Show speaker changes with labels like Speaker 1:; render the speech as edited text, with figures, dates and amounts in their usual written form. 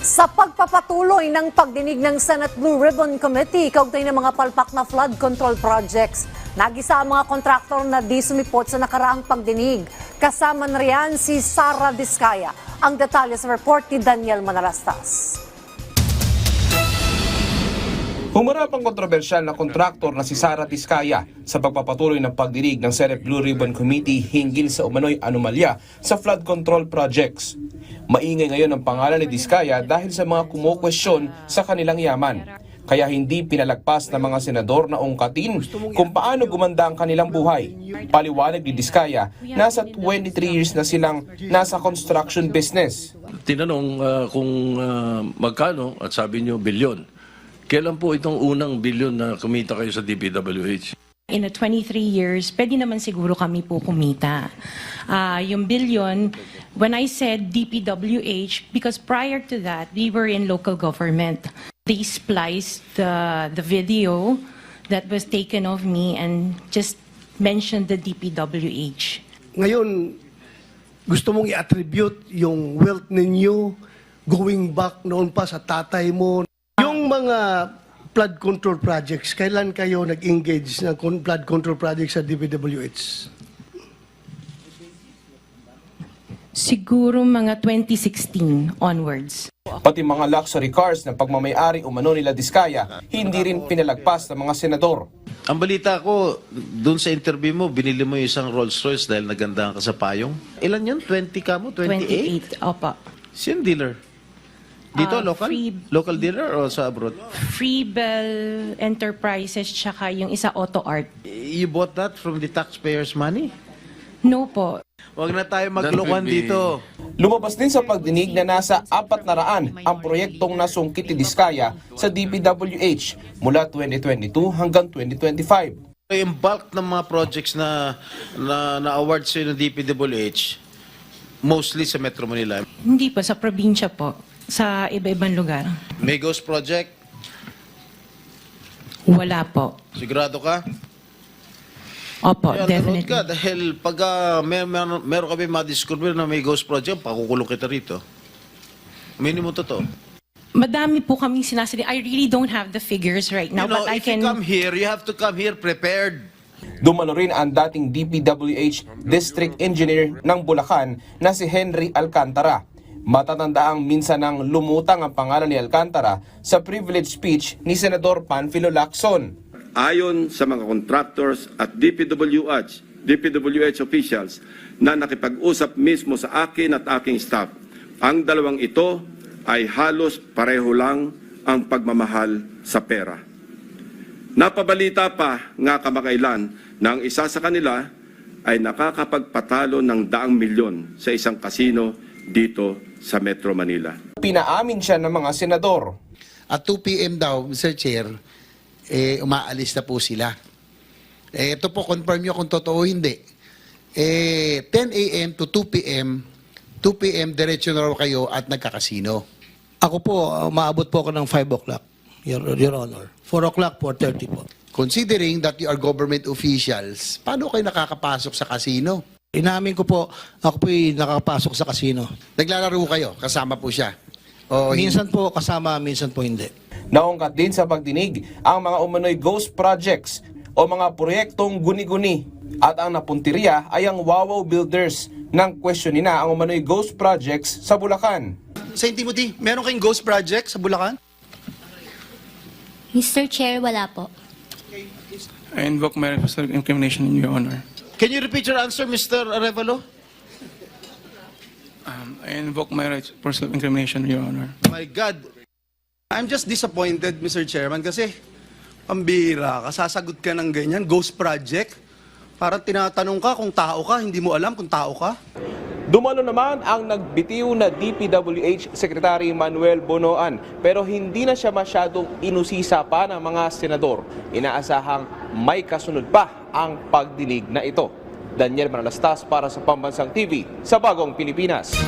Speaker 1: Sa pagpapatuloy ng pagdinig ng Senate Blue Ribbon Committee kaugnay ng mga palpak na flood control projects, nagisa ang mga kontraktor na di sumipot sa nakaraang pagdinig. Kasama na riyan si Sara Diskaya. Ang detalye sa report ni Daniel Manalastas.
Speaker 2: Humarap ang kontrobersyal na kontraktor na si Sara Diskaya sa pagpapatuloy ng pagdinig ng Senate Blue Ribbon Committee hinggil sa umano'y anomalya sa flood control projects. Maingay ngayon ang pangalan ni Diskaya dahil sa mga kumukwestiyon sa kanilang yaman. Kaya hindi pinalagpas ng mga senador na ungkatin kung paano gumanda ang kanilang buhay. Paliwanag ni Diskaya, nasa 23 years na silang nasa construction business.
Speaker 3: Tinanong kung magkano at sabi niyo bilyon. Kailan po itong unang bilyon na kumita kayo sa DPWH?
Speaker 4: In a 23 years, pwede naman siguro kami po kumita. Yung billion, when I said DPWH, because prior to that, we were in local government. They spliced the video that was taken of me and just mentioned the DPWH.
Speaker 5: Ngayon, gusto mong i-attribute yung wealth ninyo going back noon pa sa tatay mo. Yung mga flood control projects, kailan kayo nag-engage ng flood control projects sa DPWH?
Speaker 4: Siguro mga 2016 onwards.
Speaker 2: Pati mga luxury cars na pagmamayari umano nila Diskaya, hindi rin pinalagpas ng mga senador.
Speaker 6: Ang balita ko, doon sa interview mo, binili mo yung isang Rolls Royce dahil nagandahan ka sa payong. Ilan yun? 20 ka mo? 28?
Speaker 4: 28, opo.
Speaker 6: Sino dealer? Dito, local? Local dealer o sa abroad?
Speaker 4: Freebell Enterprises tsaka yung isa Auto Art.
Speaker 6: You bought that from the taxpayers' money?
Speaker 4: No po.
Speaker 6: Huwag na tayo maglokohan dito.
Speaker 2: Lumabas din sa pagdinig na nasa 400 ang proyektong nasungkit ni Diskaya sa DPWH mula 2022 hanggang 2025.
Speaker 6: Yung bulk ng mga projects na award sa'yo ng DPWH, mostly sa Metro Manila.
Speaker 4: Hindi po, sa probinsya po. Sa iba-ibang lugar.
Speaker 6: May ghost project?
Speaker 4: Wala po.
Speaker 6: Sigurado ka?
Speaker 4: Opo,
Speaker 6: Kaya
Speaker 4: definitely.
Speaker 6: ka dahil pag meron kami madiscover na may ghost project, pakukulong kita rito. Minimum totoo.
Speaker 4: Madami po kaming sinasabi. I really don't have the figures right now,
Speaker 6: You know,
Speaker 4: but I
Speaker 6: if you
Speaker 4: can...
Speaker 6: come here, you have to come here prepared.
Speaker 2: Dumalo rin ang dating DPWH District Engineer ng Bulacan na si Henry Alcantara. Matatandaang minsan nang lumutang ang pangalan ni Alcantara sa privilege speech ni Senador Panfilo Lacson.
Speaker 7: Ayon sa mga contractors at DPWH officials na nakipag-usap mismo sa akin at aking staff, ang dalawang ito ay halos pareho lang ang pagmamahal sa pera. Napabalita pa nga kamakailan na ang isa sa kanila ay nakakapagpatalo ng 100 milyon sa isang kasino dito sa Metro Manila.
Speaker 2: Pinaamin siya ng mga senador.
Speaker 8: At 2 p.m. daw, Mr. Chair, umaalis na po sila. Ito po, confirm nyo kung totoo hindi. 10 a.m. to 2 p.m., 2 p.m. diretso na raw kayo at nagkakasino.
Speaker 5: Ako po, maabot po ako ng 5 o'clock, Your Honor. 4 o'clock, 4:30 po.
Speaker 8: Considering that you are government officials, paano kayo nakakapasok sa kasino?
Speaker 5: Inamin ko po, ako po'y nakakapasok sa kasino.
Speaker 8: Naglalaro kayo, kasama po siya. O,
Speaker 5: Minsan po kasama, minsan po hindi.
Speaker 2: Naungkat din sa pagdinig ang mga umano'y ghost projects o mga proyektong guni-guni. At ang napuntirya ay ang Wawaw Builders nang questionin na ang umano'y ghost projects sa Bulacan.
Speaker 9: St. Timothy, meron kayong ghost project sa Bulacan?
Speaker 10: Mr. Chair, wala po.
Speaker 11: I invoke my right for self-incrimination in your honor.
Speaker 6: Can you repeat your answer, Mr. Arevalo?
Speaker 11: I invoke my right for self-incrimination in your honor.
Speaker 6: My God.
Speaker 9: I'm just disappointed, Mr. Chairman, kasi pambira ka, sasagot ka ng ganyan, ghost project. Parang tinatanong ka kung tao ka, hindi mo alam kung tao ka.
Speaker 2: Dumalo naman ang nagbitiw na DPWH Secretary Manuel Bonoan pero hindi na siya masyadong inusisa pa ng mga senador. Inaasahang may kasunod pa ang pagdinig na ito. Daniel Manalastas para sa Pambansang TV sa Bagong Pilipinas.